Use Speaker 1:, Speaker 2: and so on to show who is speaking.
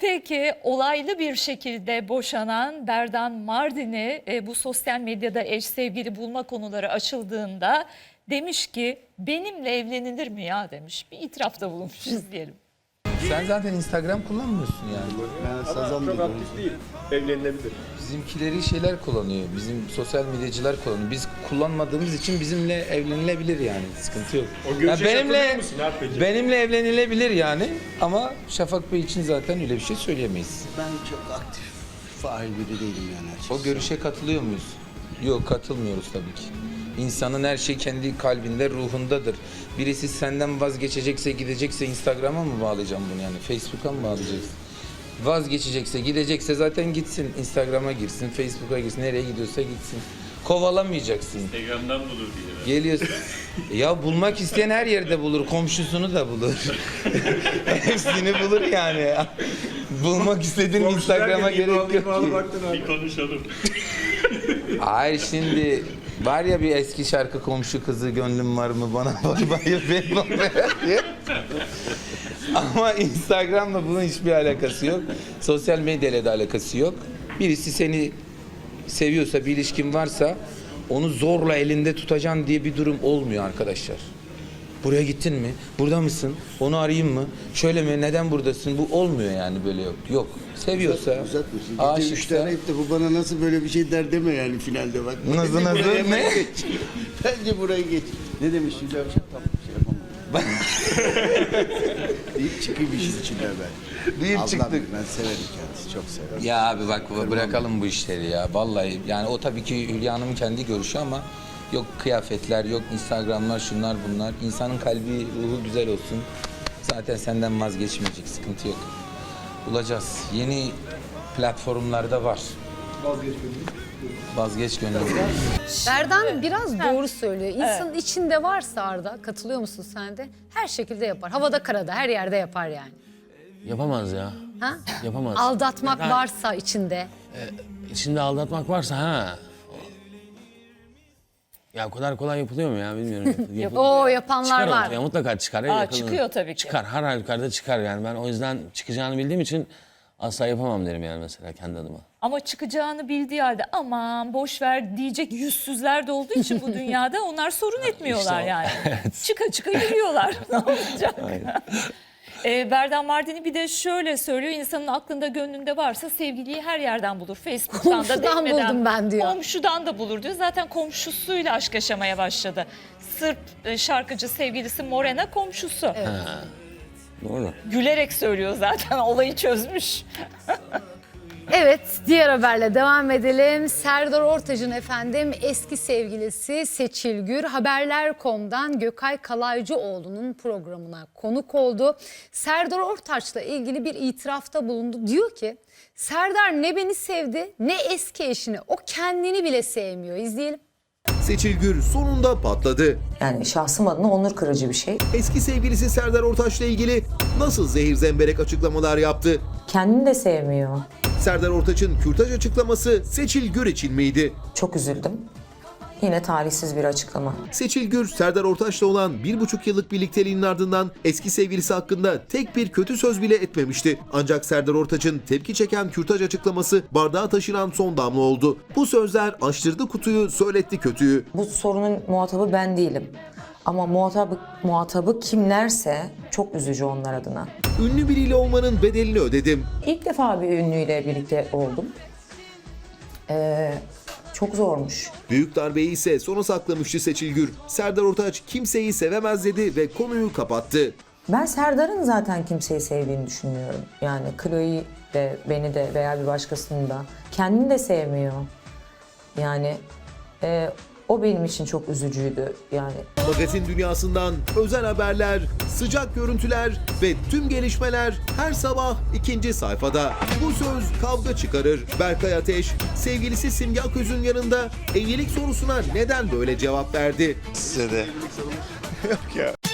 Speaker 1: Peki olaylı bir şekilde boşanan Berdan Mardin'i bu sosyal medyada eş sevgili bulma konuları açıldığında demiş ki benimle evlenilir mi ya demiş. Bir itirafta bulunmuşuz diyelim.
Speaker 2: Sen zaten Instagram kullanmıyorsun yani.
Speaker 3: Ben sazan
Speaker 4: Çok aktif değil. Evlenilebilir.
Speaker 2: Bizimkileri şeyler kullanıyor. Bizim sosyal medyacılar kullanıyor. Biz kullanmadığımız için bizimle evlenilebilir yani. Sıkıntı yok.
Speaker 4: O görüşe katılıyor musun abi peki?
Speaker 2: benimle evlenilebilir yani. Ama Şafak Bey için zaten öyle bir şey söyleyemeyiz.
Speaker 3: Ben çok aktif, fail biri değilim yani açıkçası.
Speaker 2: O görüşe katılıyor muyuz? Yok, katılmıyoruz tabii ki. İnsanın her şey kendi kalbinde, ruhundadır. Birisi senden vazgeçecekse, gidecekse Instagram'a mı bağlayacağım bunu yani? Facebook'a mı bağlayacaksın? Vazgeçecekse, gidecekse zaten gitsin. Instagram'a girsin, Facebook'a girsin, nereye gidiyorsa gitsin. Kovalamayacaksın.
Speaker 5: Instagram'dan bulur diye.
Speaker 2: Geliyorsun. Ya bulmak isteyen her yerde bulur, komşusunu da bulur. Hepsini bulur yani. Bulmak istediğin Instagram'a gerek yok ki.
Speaker 5: Bir konuşalım.
Speaker 2: Hayır, şimdi var ya bir eski şarkı, komşu kızı gönlüm var mı bana bakmayı diye. Ama Instagram'la bunun hiçbir alakası yok. Sosyal medyayla da alakası yok. Birisi seni seviyorsa, bir ilişkin varsa onu zorla elinde tutacaksın diye bir durum olmuyor arkadaşlar. Buraya gittin mi? Burada mısın? Onu arayayım mı? Şöyle mi? Neden buradasın? Bu olmuyor yani, böyle yok. Yok. Seviyorsa,
Speaker 3: Uzatmışsın. Gece
Speaker 2: aşıksa.
Speaker 3: 3 tane hep de bu bana nasıl böyle bir şey der deme yani finalde bak.
Speaker 2: Nasıl,
Speaker 3: Bence
Speaker 2: nasıl,
Speaker 3: buraya hemen
Speaker 2: ne?
Speaker 3: geç. Bence burayı geç. Ne demiş Hülya Avşar? Tam bir şey yapamam. Deyip çıkayım işin içine ben.
Speaker 2: Deyip
Speaker 3: Ablam,
Speaker 2: çıktık.
Speaker 3: ben severim kendisi, çok severim.
Speaker 2: Ya abi bak, bırakalım bu işleri ya. Vallahi yani o tabii ki Hülya Hanım'ın kendi görüşü ama yok kıyafetler, yok Instagram'lar, şunlar bunlar. İnsanın kalbi, ruhu güzel olsun. Zaten senden vazgeçmeyecek, sıkıntı yok. Bulacağız. Yeni platformlarda var. Vazgeç gönlüm.
Speaker 6: Berdan biraz doğru söylüyor. İnsanın içinde varsa Arda, katılıyor musun sen de? Her şekilde yapar. Havada karada her yerde yapar yani.
Speaker 7: Yapamaz ya.
Speaker 6: Ha?
Speaker 7: Yapamaz.
Speaker 6: Aldatmak
Speaker 7: Ben-
Speaker 6: varsa içinde.
Speaker 7: İçinde aldatmak varsa ha. Ya o kadar kolay yapılıyor mu ya bilmiyorum.
Speaker 6: O yapanlar
Speaker 7: çıkar
Speaker 6: var.
Speaker 7: ortaya, mutlaka çıkar.
Speaker 1: Çıkıyor tabii ki.
Speaker 7: Çıkar, her halükarda çıkar yani. Ben o yüzden çıkacağını bildiğim için asla yapamam derim yani mesela kendi adıma.
Speaker 1: Ama çıkacağını bildiği halde aman boş ver diyecek yüzsüzler de olduğu için bu dünyada onlar sorun etmiyorlar
Speaker 7: o.
Speaker 1: yani. Çıka çıka yürüyorlar. Ne olacak? Berdan Mardin'i bir de şöyle söylüyor. İnsanın aklında gönlünde varsa sevgiliyi her yerden bulur. Facebook'tan da
Speaker 6: Komşudan
Speaker 1: demeden.
Speaker 6: buldum ben diyor.
Speaker 1: Komşudan da bulur diyor. Zaten komşusuyla aşk yaşamaya başladı. Sırp şarkıcı sevgilisi Morena komşusu.
Speaker 7: Doğru.
Speaker 1: Gülerek söylüyor zaten, olayı çözmüş.
Speaker 6: Evet, diğer haberle devam edelim. Serdar Ortaç'ın efendim eski sevgilisi Seçil Gür Haberler.com'dan Gökay Kalaycıoğlu'nun programına konuk oldu. Serdar Ortaç'la ilgili bir itirafta bulundu. Diyor ki Serdar ne beni sevdi ne eski eşini, o kendini bile sevmiyor. İzleyelim.
Speaker 8: Seçil Gür sonunda patladı.
Speaker 9: Yani şahsım adına onur kırıcı bir şey.
Speaker 8: Eski sevgilisi Serdar Ortaç'la ilgili nasıl zehir zemberek açıklamalar yaptı?
Speaker 9: Kendini de sevmiyor.
Speaker 8: Serdar Ortaç'ın kürtaj açıklaması Seçil Gür için miydi?
Speaker 9: Çok üzüldüm. Yine talihsiz bir açıklama.
Speaker 8: Seçil Gür, Serdar Ortaç'la olan 1,5 yıllık birlikteliğinin ardından eski sevgilisi hakkında tek bir kötü söz bile etmemişti. Ancak Serdar Ortaç'ın tepki çeken kürtaj açıklaması bardağa taşıran son damla oldu. Bu sözler açtırdı kutuyu, söyletti kötüyü.
Speaker 9: Bu sorunun muhatabı ben değilim. Ama muhatabı kimlerse çok üzücü onlar adına.
Speaker 8: Ünlü biriyle olmanın bedelini ödedim.
Speaker 9: İlk defa bir ünlüyle birlikte oldum. Çok zormuş.
Speaker 8: Büyük darbeyi ise sona saklamıştı Seçil Gür. Serdar Ortaç kimseyi sevemez dedi ve konuyu kapattı.
Speaker 9: Ben Serdar'ın zaten kimseyi sevdiğini düşünmüyorum. Yani Chloe'yi de, beni de veya bir başkasını da. Kendini de sevmiyor. Yani o benim için çok üzücüydü yani.
Speaker 8: Magazin dünyasından özel haberler, sıcak görüntüler ve tüm gelişmeler her sabah 2. sayfada. Bu söz kavga çıkarır. Berkay Ateş, sevgilisi Simge Aköz'ün yanında evlilik sorusuna neden böyle cevap verdi?
Speaker 3: Size de.
Speaker 8: Yok ya.